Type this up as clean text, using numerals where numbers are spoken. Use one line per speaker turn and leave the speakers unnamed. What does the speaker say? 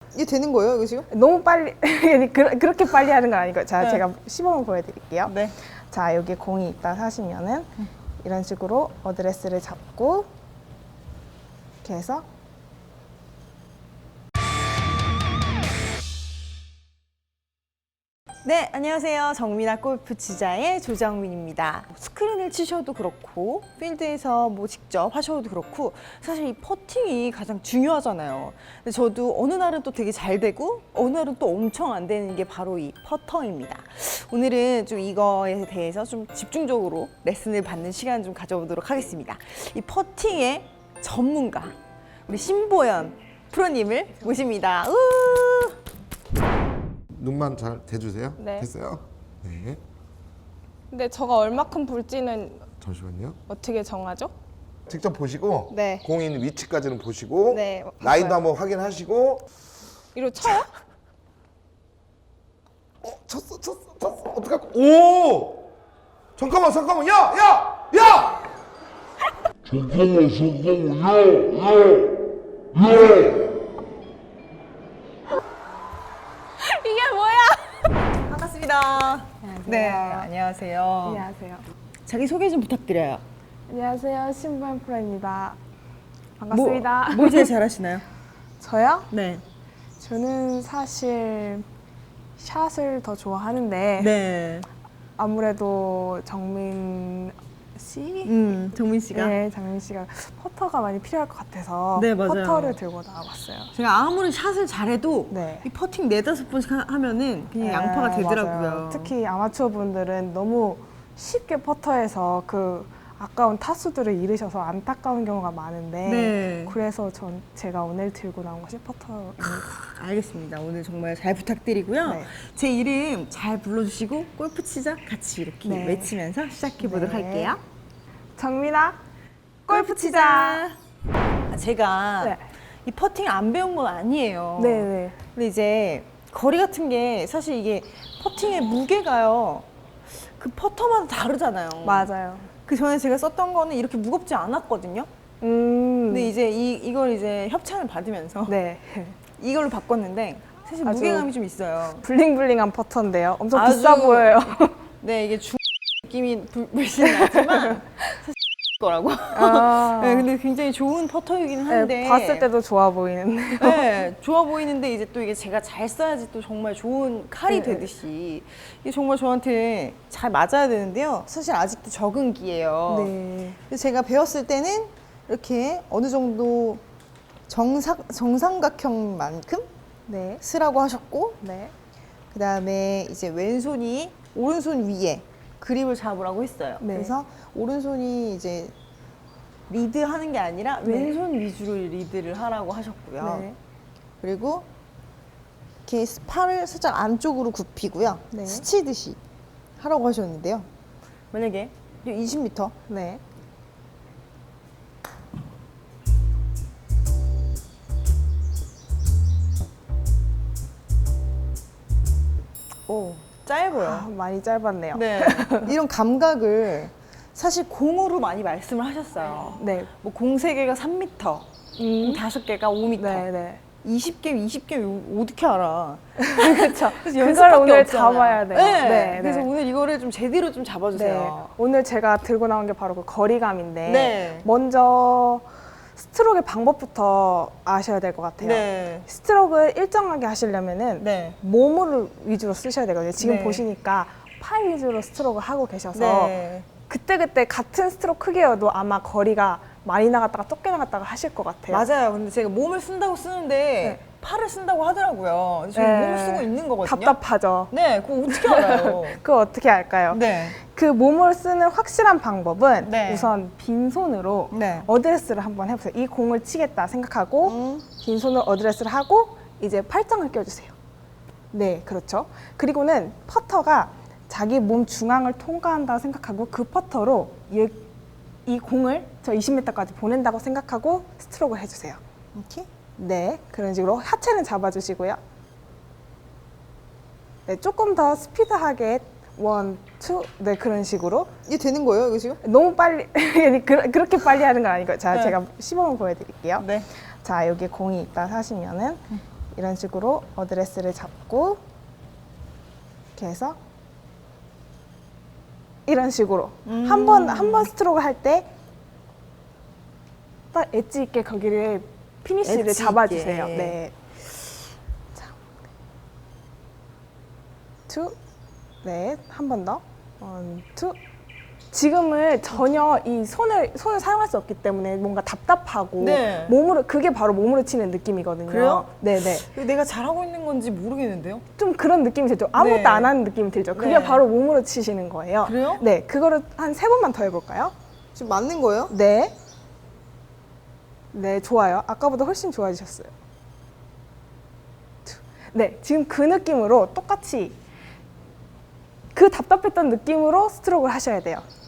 이게 되는 거예요, 이거 지금?
너무 빨리 그렇게 빨리 하는 건 아니고 자,
네.
제가 시범을 보여드릴게요.
네.
자, 여기 공이 있다 하시면은 이런 식으로 어드레스를 잡고 이렇게 해서
네, 안녕하세요. 정민아 골프 치자의 조정민입니다. 스크린을 치셔도 그렇고 필드에서 뭐 직접 하셔도 그렇고 사실 이 퍼팅이 가장 중요하잖아요. 근데 저도 어느 날은 또 되게 잘 되고 어느 날은 또 엄청 안 되는 게 바로 이 퍼터입니다. 오늘은 좀 이거에 대해서 좀 집중적으로 레슨을 받는 시간 좀 가져보도록 하겠습니다. 이 퍼팅의 전문가 우리 신보연 프로님을 모십니다.
눈만 잘 대주세요.
네.
됐어요? 네.
근데 저가 얼마큼 불지는
잠시만요.
어떻게 정하죠?
직접 보시고
네.
공이 있는 위치까지는 보시고
네,
라인도
봤어요.
한번 확인하시고
이로 쳐요?
쳤어. 어떡할 거? 오! 잠깐만. 야!
잠깐만, 야!
이게 뭐야?
반갑습니다. 네, 안녕하세요.
안녕하세요.
자기 소개 좀 부탁드려요.
안녕하세요. 신보연 프로입니다. 반갑습니다.
뭐 제일 잘하시나요?
저요?
네.
저는 사실 샷을 더 좋아하는데
네.
아무래도 정민 씨?
정민 씨가.
네, 정민 씨가 퍼터가 많이 필요할 것 같아서
네, 맞아요.
퍼터를 들고 나와봤어요.
제가 아무리 샷을 잘해도
네.
이 퍼팅 4-5번씩 하면은 그냥
네,
양파가 되더라고요.
맞아요. 특히 아마추어 분들은 너무 쉽게 퍼터해서 그 아까운 타수들을 잃으셔서 안타까운 경우가 많은데
네.
그래서 제가 오늘 들고 나온 것이 퍼터입니다.
알겠습니다. 오늘 정말 잘 부탁드리고요.
네.
제 이름 잘 불러주시고 골프 치자 같이 이렇게
네.
외치면서 시작해보도록
네.
할게요.
정민아, 골프 치자.
제가
네.
이 퍼팅 안 배운 건 아니에요.
네네.
근데 이제 거리 같은 게 사실 이게 퍼팅의 무게가요. 그 퍼터마다 다르잖아요.
맞아요.
그 전에 제가 썼던 거는 이렇게 무겁지 않았거든요. 근데 이제 이걸 이제 협찬을 받으면서
네.
이걸로 바꿨는데 사실
아주
무게감이 좀 있어요.
블링블링한 퍼터인데요. 엄청
아주-
비싸 보여요.
네, 이게 느낌이 물씬 나지만 사실 거라고.
아.
네, 근데 굉장히 좋은 퍼터이긴 한데
네, 봤을 때도 좋아 보이는데.
네, 좋아 보이는데 이제 또 이게 제가 잘 써야지 또 정말 좋은 칼이
네.
되듯이 이게 정말 저한테 잘 맞아야 되는데요. 사실 아직도 적응기예요.
네.
그래서 제가 배웠을 때는 이렇게 어느 정도 정삼각형만큼
네.
쓰라고 하셨고
네.
그 다음에 이제 왼손이 오른손 위에 그립을 잡으라고 했어요.
네.
그래서 오른손이 이제 리드하는 게 아니라
네.
왼손 위주로 리드를 하라고 하셨고요.
네.
그리고 이렇게 팔을 살짝 안쪽으로 굽히고요.
네.
스치듯이 하라고 하셨는데요. 만약에 20m
네.
오, 짧아요.
아, 많이 짧았네요.
네. 이런 감각을 사실 공으로 많이 말씀을 하셨어요.
네.
뭐 공 3개가 3m, 5개가 5m.
네, 네.
20개 어떻게 알아?
그렇죠.
그래서
그걸
연습밖에
오늘
없잖아요.
잡아야 돼요.
네.
네,
그래서
네.
오늘 이거를 좀 제대로 좀
네.
잡아주세요.
오늘 제가 들고 나온 게 바로 그 거리감인데
네.
먼저 스트로크의 방법부터 아셔야 될 것 같아요.
네.
스트로크를 일정하게 하시려면은
네.
몸을 위주로 쓰셔야 되거든요. 지금
네.
보시니까 팔 위주로 스트로크를 하고 계셔서
네.
그때그때 같은 스트로크 크기여도 아마 거리가 많이 나갔다가 적게 나갔다가 하실 것 같아요.
맞아요. 근데 제가 몸을 쓴다고 쓰는데
네.
팔을 쓴다고 하더라고요. 저는
네.
몸을 쓰고 있는 거거든요.
답답하죠.
네, 그거 어떻게 알아요?
그거 어떻게 할까요?
네.
그 몸을 쓰는 확실한 방법은
네.
우선 빈손으로
네.
어드레스를 한번 해보세요. 이 공을 치겠다 생각하고 빈손으로 어드레스를 하고 이제 팔짱을 껴주세요. 네, 그렇죠. 그리고는 퍼터가 자기 몸 중앙을 통과한다 생각하고 그 퍼터로 이 공을 저 20m까지 보낸다고 생각하고 스트로크를 해주세요.
이렇게?
네, 그런 식으로 하체는 잡아주시고요. 네, 조금 더 스피드하게 1, 2, 네, 그런 식으로.
이게 되는 거예요, 이거 지금?
너무 빨리 그렇게 빨리 하는 건 아니고 자,
네.
제가 시범을 보여드릴게요.
네.
자, 여기 공이 있다 하시면은 이런 식으로 어드레스를 잡고 이렇게 해서 이런 식으로 한 번 스트로크 할 때 딱 엣지 있게 거기를 피니쉬를
엣지
잡아주세요.
있게.
네. 자, 투, 네, 한 번 더, 원, 투. 지금은 전혀 이 손을 사용할 수 없기 때문에 뭔가 답답하고
네.
몸으로 그게 바로 몸으로 치는 느낌이거든요.
그래요?
네네.
이거 내가 잘하고 있는 건지 모르겠는데요?
좀 그런 느낌이 들죠. 아무것도
네.
안 하는 느낌이 들죠. 그게
네.
바로 몸으로 치시는 거예요.
그래요?
네, 그거를 한 3번만 더 해볼까요?
지금 맞는 거예요?
네. 네, 좋아요. 아까보다 훨씬 좋아지셨어요. 네, 지금 그 느낌으로 똑같이 그 답답했던 느낌으로 스트로크를 하셔야 돼요.